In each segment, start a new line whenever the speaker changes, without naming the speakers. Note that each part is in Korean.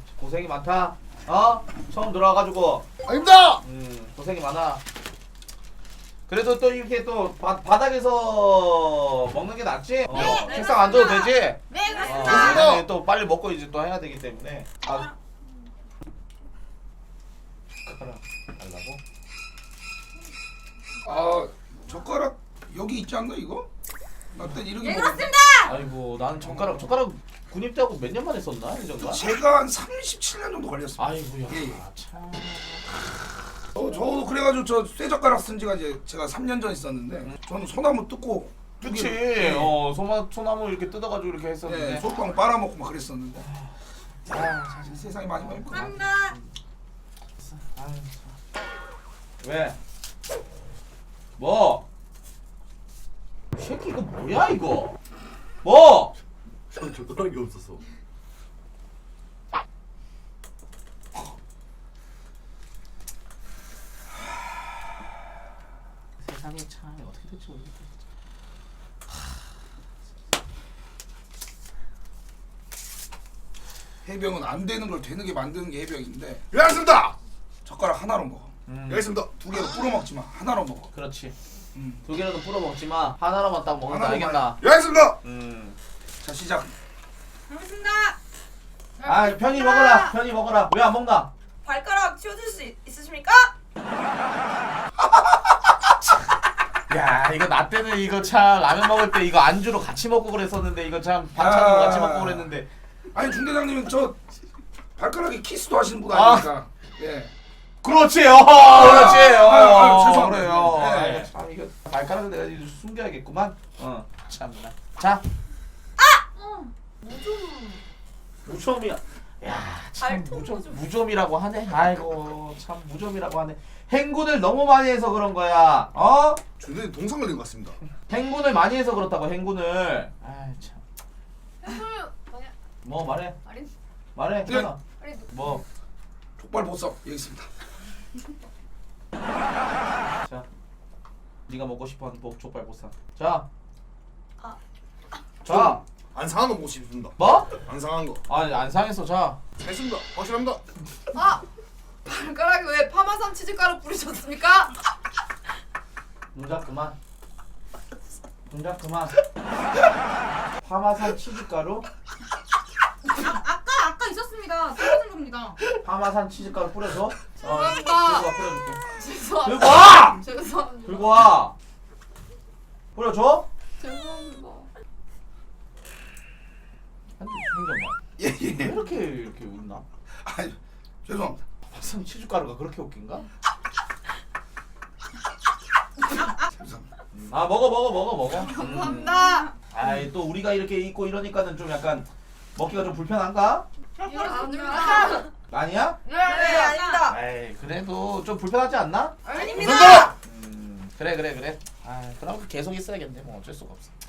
고생이 많다. 처음 들어와가지고.
아닙니다.
고생이 많아. 그래도 또 이렇게 또 바닥에서 먹는 게 낫지?
네,
책상 앉아도 되지?
네, 그렇습니다.
네, 또 빨리 먹고 이제 또 해야 되기 때문에. 젓가락 달라고?
아 젓가락 여기 있지 않나 이거? 나 때 이렇게
네,
먹었-
그렇습니다.
아이고 나는 젓가락 군입대하고 몇 년 만에 썼나? 이정도?
제가 한 37년 정도 걸렸습니다.
아이고야
예, 예.
참.
저도 그래가지고 저 쇠젓가락 쓴 지가 이제 제가 3년 전에 있었는데 저는 소나무 뜯고
그치.
예,
소나무 이렇게 뜯어가지고 이렇게
예,
했었는데.
솔방울 빨아먹고 막 그랬었는데 사실 세상이 많이 바뀌었구나.
감사합니다.
아유, 참. 왜? 뭐? 이 새끼 이거 뭐야 이거? 뭐?
전 젓가락이 없었어.
세상에 참 어떻게 될지 모르겠다.
해병은 안 되는 걸 되는 게 만드는 게 해병인데
예, 알겠습니다.
젓가락 하나로 먹어.
예, 알겠습니다.
두 개로 뿌려 먹지 마. 하나로 먹어.
그렇지.
음.
두 개라도 뿌려 먹지만 하나로만 딱 먹는다.
하나로만.
알겠나?
예, 알겠습니다.
자 시작.
알겠습니다.
아 편히 먹어라. 편히 먹어라. 왜 안 먹나?
발가락 치워줄 수 있으십니까?
야 이거 나 때는 이거 참 라면 먹을 때 이거 안주로 같이 먹고 그랬었는데 이거 참 반찬으로 같이 먹고 그랬는데.
아니 중대장님은 저 발가락에 키스도 하시는 분
아.
아닙니까? 예.
그렇지. 그렇지.
죄송합니다.
그래요.
네.
아이고, 참 이거 발가락을 내가 이제 숨겨야겠구만. 참나. 자. 무좀이야. 야, 참
발톱 무좀.
무좀이라고 하네. 아이고, 참 무좀이라고 하네. 행군을 너무 많이 해서 그런 거야.
중대님 동상 걸린 것 같습니다.
행군을 많이 해서 그렇다고 행군을. 아이 참.
뭐냐?
뭐 말해.
아린.
말해.
네.
현아.
아린.
뭐.
족발 보석 여기 있습니다.
자. 네가 먹고 싶어하는 족발 보쌈. 자.
아.
자.
안 상한 거 먹고 싶습니다.
뭐?
안 상한 거.
아니 안 상했어. 자.
알겠습니다. 확실합니다.
아, 발가락에 왜 파마산 치즈가루 뿌리셨습니까?
동작 그만. 동작 그만. 파마산 치즈가루?
아까 있었습니다. 떨어진 겁니다.
파마산 치즈가루 뿌려줘.
죄송합니다.
들고 와 뿌려줄게.
죄송합니다.
들고 와!
죄송합니다.
들고 와. 뿌려줘?
죄송합니다.
행정관.
예예.
왜 이렇게 웃나?
아니 죄송합니다.
파마산 치즈가루가 그렇게 웃긴가?
죄송합니다.
아 먹어.
감사합니다.
아이 또 우리가 이렇게 있고 이러니까는 좀 약간 먹기가 좀 불편한가?
이거 아닙니다.
아니야?
네, 아닙니다.
아이 그래도 좀 불편하지 않나?
아닙니다.
그래. 아 그럼 계속 있어야겠네. 뭐 어쩔 수가 없어.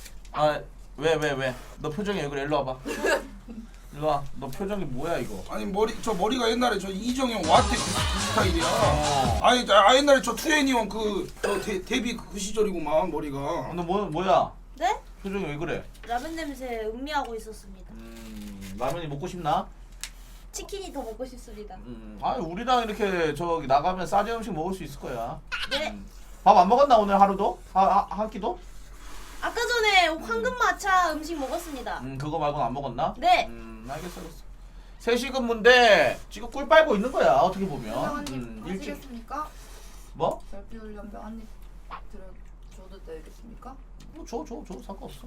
왜? 너 표정이 왜 그래? 일로 와봐. 일로 와. 너 표정이 뭐야 이거?
아니 머리가 옛날에 저 이정현 와테 그 스타일이야.
어.
아니 옛날에 저 투애니원 그저 데뷔 그 시절이구만 머리가.
너 뭐야?
네?
표정이 왜 그래?
라면 냄새 음미하고 있었습니다.
라면이 먹고 싶나?
치킨이 더 먹고 싶습니다.
우리랑 이렇게 저기 나가면 싸지 음식 먹을 수 있을 거야.
네.
밥 안 먹었나 오늘 하루도? 한 끼도?
아까 전에 황금마차 음식 먹었습니다.
그거 말고는 안 먹었나?
네.
알겠어. 3시 근무인데 지금 꿀 빨고 있는 거야 어떻게 보면.
한입
일찍
하시겠습니까?
뭐?
별빛 훈련병 한입 들어줘도 되겠습니까?
줘 상관없어.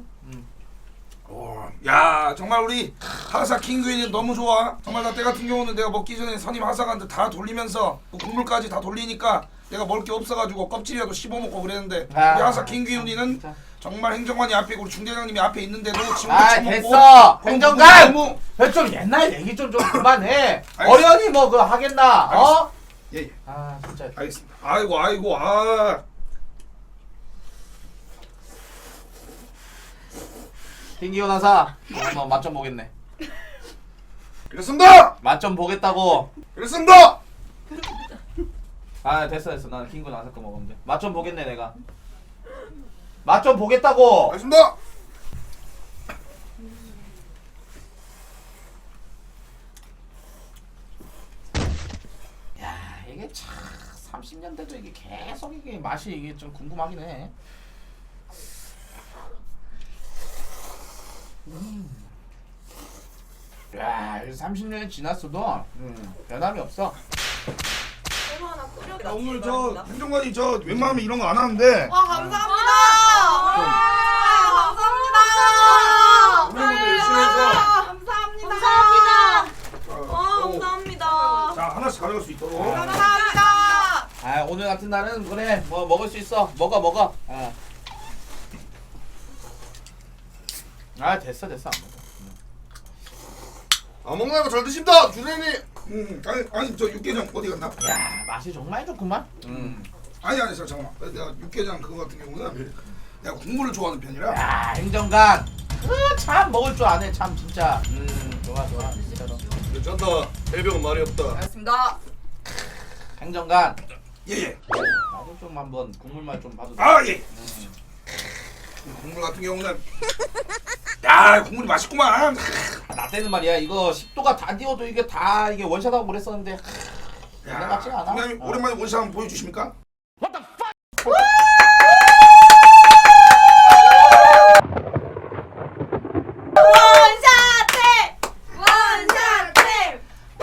야 정말 우리 하사 킹규이는 너무 좋아. 정말 나 때 같은 경우는 내가 먹기 전에 선임 하사관들 다 돌리면서 그 국물까지 다 돌리니까 내가 먹을 게 없어가지고 껍질이라도 씹어 먹고 그랬는데 우리 하사 킹규이는 정말 행정관이 앞에 있고 우리 중대장님이 앞에 있는데도 지금도 처먹고
됐어.
그럼
행정관.
너무
좀 옛날 얘기 좀 그만해.
알겠어.
어련히 뭐 그거 하겠나?
알겠어. 예.
진짜.
알겠습니다. 아이고
김기호 나사. 맛 좀 보겠네.
이랬습니다.
맛 좀 보겠다고.
이랬습니다.
됐어. 나는 킹고 나사 거 먹으면 돼. 맛 좀 보겠네 내가. 맛 좀 보겠다고.
알겠습니다.
참 30년 돼도 이게 계속 이게 맛이 이게 좀 궁금하긴 해. 야, 30년이 지났어도 변함이 없어.
소금 하나 끓여.
야, 오늘 저 행정관이 저 웬만하면 이런 거 안 하는데
와 감사합니다. 감사합니다.
오늘 것도 열심히 해서
감사합니다.
감사합니다.
와 감사합니다.
자 하나씩 가져갈 수 있도록.
감사합니다.
아, 오늘 같은 날은 그래 뭐 먹을 수 있어. 먹어. 아, 됐어. 안 먹어.
안 먹나요? 잘 드십니다, 주대님.
아니 저 육개장 어디 갔나?
야, 맛이 정말 좋구만.
아니 잠깐만. 내가 육개장 그거 같은 경우는 내가 국물을 좋아하는 편이라.
야, 행정관. 참 먹을 줄 아네. 참 진짜. 좋아. 진짜로.
괜찮다. 해병은 말이 없다.
알겠습니다.
행정관.
예예.
나도 좀 한번 국물 맛 좀 봐도 돼.
아 예. 국물 같은 경우는 야 국물이 맛있구만.
나 때는 말이야 이거 10도가 다 띄워도 이게 다 이게 원샷하고 그랬었는데 옛날 같지가 않아.
그냥 오랜만에 원샷 한번 보여주십니까?
원샷팀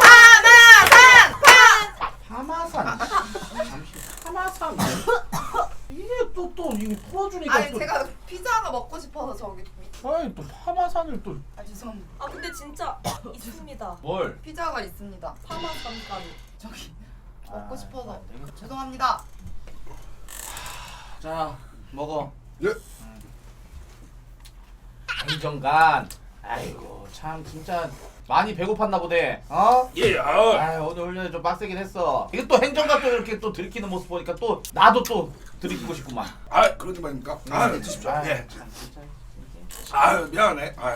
파마산
잠시 파마산 이게 또 이게 풀어주니까
아니
또
제가 피자가 먹고 싶어서 저기
아이 또 파마산을 또
아 죄송합니다.
아 근데 진짜 있습니다.
뭘?
피자가 있습니다. 파마산까지 저기 먹고
아,
싶어서
안 되겠다.
죄송합니다.
자 먹어.
예.
행정관. 아이고 참 진짜 많이 배고팠나 보네. 어?
예.
아 오늘 훈련이 좀 빡세긴 했어. 이게 또 행정관 또 이렇게 또 들키는 모습 보니까 또 나도 또 들키고 싶구만.
아 그러지 말입니까? 네, 드십시오.
아,
예.
참 진짜.
아 미안해. 아.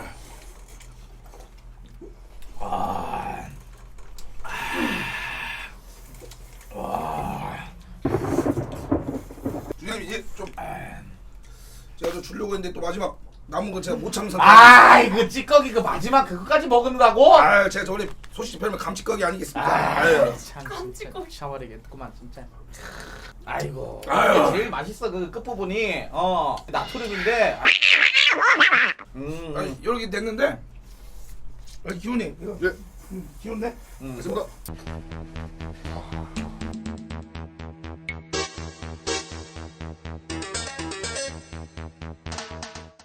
주장님 이제 좀 제가 좀 주려고 했는데 또 마지막 남은 건 제가 못 참선.
아 이거 찌꺼기 그 마지막 그거까지 먹는다고?
아 제가 저번에 소식 별명 감치거기 아니겠습니까? 아유.
참 진짜 샤워리겠구만 진짜. 아이고
아유.
이게 제일 맛있어 그 끝부분이 나트륨인데.
아니 이렇게 됐는데 기훈이 이거
예.
기훈네?
알겠습니다.